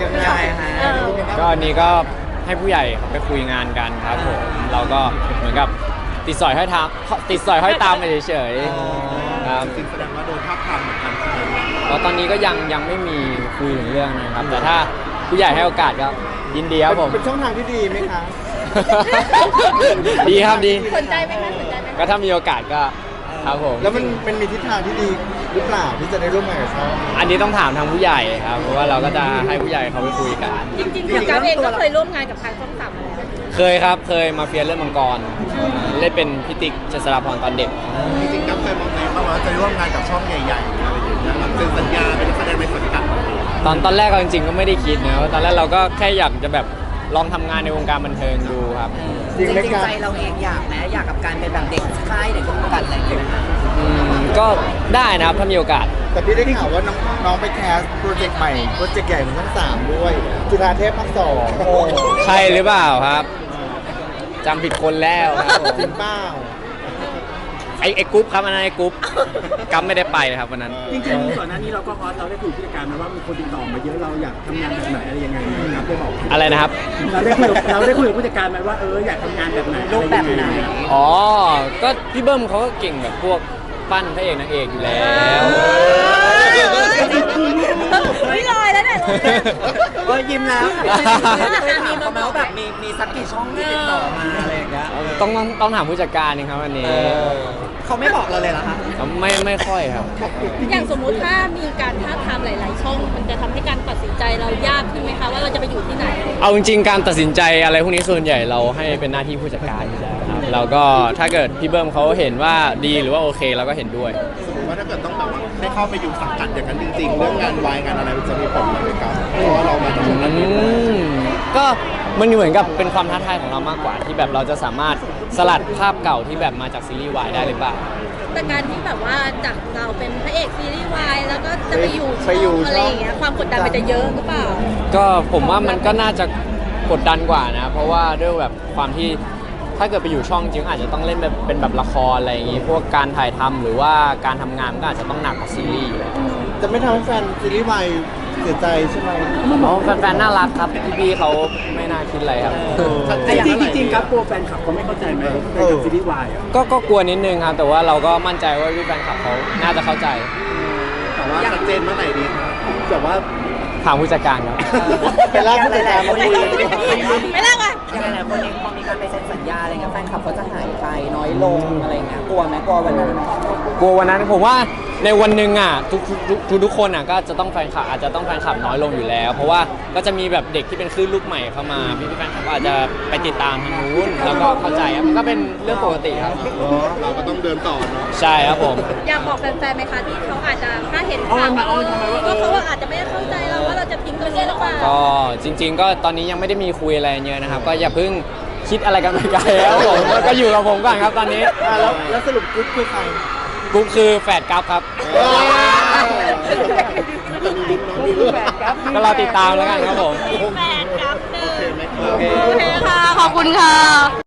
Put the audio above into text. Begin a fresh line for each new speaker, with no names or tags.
ยังไงฮะ
ก็อันนี้ก็ให้ผู้ใหญ่เขาไปคุยงานกันครับผมเราก็เหมือนกับติดสอยห้อยตามไปเฉยๆครับ
จริงแสดงว่าโดนทับทามเหมือนกันใช่ไหม
แล้วตอนนี้ก็ยังไม่มีคุยถึงเรื่องนะครับ แต่ถ้าผู้ใหญ่ให้โอกาสก็ยินดีครับผม
เป็นช่องทางที่ดีไหมคะ
ดีครับดี
สนใจไหมคะสนใจไหม
ก็ถ้ามีโอกาสก็ครับผม
แล้วมันมีทิศทางที่ดีหรือเปล่าที่จะได้ร่วมงานกับเขา
อันนี้ต้องถามทางผู้ใหญ่ครับเพราะว่าเราก็จะให้ผู้ใหญ่เขาไปคุยกัน
จริงๆอย่างการเองก็เคยร่วมงานกับทางช่องสามมาแล้ว
เคยครับเคยมาเฟียเล่นมังกรเล่นเป็นพิติกเจษฎาพรตอนเด็ก
จริงๆกั๊บเคยมองไหมว่าจะร่วมงานกับช่องใหญ่ๆอะไรอย่างเงี้ยแบบเซ็นสัญญาเป็นนักแสดงในสังกัด
ตอนแรกเราจริงๆก็ไม่ได้คิดนะตอนแรกเราก็แค่อยากจะแบบลองทำงานในวงการบันเทิงดูครับ
จริงไหม
จริง
ครั
ๆ
บ
ใจเราเองอยากไหมอยากกับการเป็นแบบเด็กค่ายเด็กวงการอะไรอย่างเงี้ย
ก็ได้นะครับถ้ามีโอกาส
แต่พี่ได้ข่าวว่าน้องไปแคสโปรเจกต์ใหม่โปรเจกต์ใหญ่ของช่อง3ด้วยจุฬาเทพภาค2โอ้
ใช่หรือเปล่าครับจำผิดคนแล้วครับผม
จริงเปล่า
ไอ้กรุ๊ปครับอันนั้นไอ้กรุ๊ปกัมไม่ได้ไปครับวันนั้น
จริงๆก่อนหน้านี้เราก็เราได้คุยกับผู้จัดการมาว่ามีคนติดต่อมาเยอะเราอยากทำงานแบบไหนอะไรยังไงนะครับได้บอก
อะไรนะครับ
เราได้คุยกับผู้จัดการไหมว่าอยากทำงานแบบไหน
รูปแบบไหน
อ๋อก็พี่เบิ้มเขาก็เก่งแบบพวกปั้นพระเอกนางเอกอยู่แล้ว
ไม่ลอยแล้วเนี่ย
ก็ยิ้มแล้วเคยถามเขาไหมว่าแบบมีสักกี่ช่องที่ติดต่อมาอะไรอย่างเงี้ย
ต้องถามผู้จัดการเองครับวันนี้
เขาไม่บอกเราเลยเหรอคะ
ไม่ค่อยครับ
อย่างสมมุติถ้ามีการท้าทามหลาย ๆ ช่อง มันจะทำให้การตัดสินใจเรายากขึ้นไหมคะว่าเราจะไปอยู่ที่ไหน
เอาจริงๆการตัดสินใจอะไรพวกนี้ส่วนใหญ่เราให้เป็นหน้าที่ผู้จัดการอยู่แล้วครับแล้วก็ถ้าเกิดพี่เบิ้มเขาเห็นว่าดีหรือว่าโอเคเราก็เห็นด้วย
สมมติว่าถ้าเกิดต้องแบบว่าได้เข้าไปอยู่สังกัดอย่างนั้นจริงๆเรื่องงานวายงานอะไรมันจะมีผลไหมครับเพราะว่าเรามาจากช่องนั้น
ก็มันเหมือนกับเป็นความท้าทายของเรามากกว่าที่แบบเราจะสามารถสลัดภาพเก่าที่แบบมาจากซีรีส์วายได้หรือเปล่า
แต่การที่แบบว่าจากเราเป็นพระเอกซีรีส์วายแล้วก็จะไปอยู่
ไปอยู่
ช่องอะไรอย่างเงี้ยความกดดันมันจะเยอะหรือเปล่า
ก็ผมว่ามันก็น่าจะกดดันกว่านะเพราะว่าด้วยแบบความที่ถ้าเกิดไปอยู่ช่องจริงอาจจะต้องเล่นแบบเป็นแบบละครอะไรอย่างงี้พวกการถ่ายทำหรือว่าการทำงานก็อาจจะต้องหนักกว่าซีรีส์อยู่แล้ว
จะไม่ทำให้แฟนซีรีส์วายเสียใจใช่ไหม
อ๋อแฟนๆน่ารักครับพี่ๆเขาไม่น่าคิดอะไรครับ
จริงๆครับกลัวแฟนคลับเขาไม่เข้าใจไหมในกับซีรีส์วายอ่ะ
ก็กลัวนิดนึงครับแต่ว่าเราก็มั่นใจว่าพี่แฟนคลับเขาน่าจะเข้าใจ
แต่ว่าชัดเจนเมื่อไหร่ดีครับแบบว่า
ถามผู้จัดการครับ
ไปลากผู้จัดการมาคุย
ไม่เล่าอ่ะ
อย่างหลายๆคนเองพอมีการไปเซ็นสัญญาอะไรเงี้ยแฟนคลับเขาจะหายไปน้อยลงอะไรเงี้ยกลัวไหมกลัววันนั้น
กลัววันนั้นผมว่าในวันหนึ่งอ่ะทุกคนอ่ะก็จะต้องแฟนคลับอาจจะต้องแฟนคลับน้อยลงอยู่แล้ว เพราะว่าก็จะมีแบบเด็กที่เป็นคลื่นลูกใหม่เข้ามาพี่ๆแฟนคลับก็อาจจะไปติดตามทางนู้นแล้วก็เข้าใจครับมันก็เป็นเรื่องปกติครับ
เราก็ต้องเดินต่อเนาะ
ใช่ครับผม
อยากบอกแฟนๆไหมคะที่เขาอาจจะถ้าเห็นข่าวว่าเขาอาจจะไม่ได้เข้าใจเราว่าเราจะทิ้งตัวนี้หรือเปล่า
ก็จริง ๆ ก็ตอนนี้ยังไม่ได้มีคุยอะไรเยอะนะครับ ก็อย่าเพิ่งคิดอะไรกันไปไกลครับผมก็อยู่กับผมก่อนครับตอนนี้
แล้วสรุปกรุ๊ปคือใคร
กุ๊กคือแฝดกัฟครับก็รอติดตามแล้วกันครับผม
แฟนครับหนึ่ง
โอเคไหมครับ
โอเคค่ะ ขอบคุณค่ะ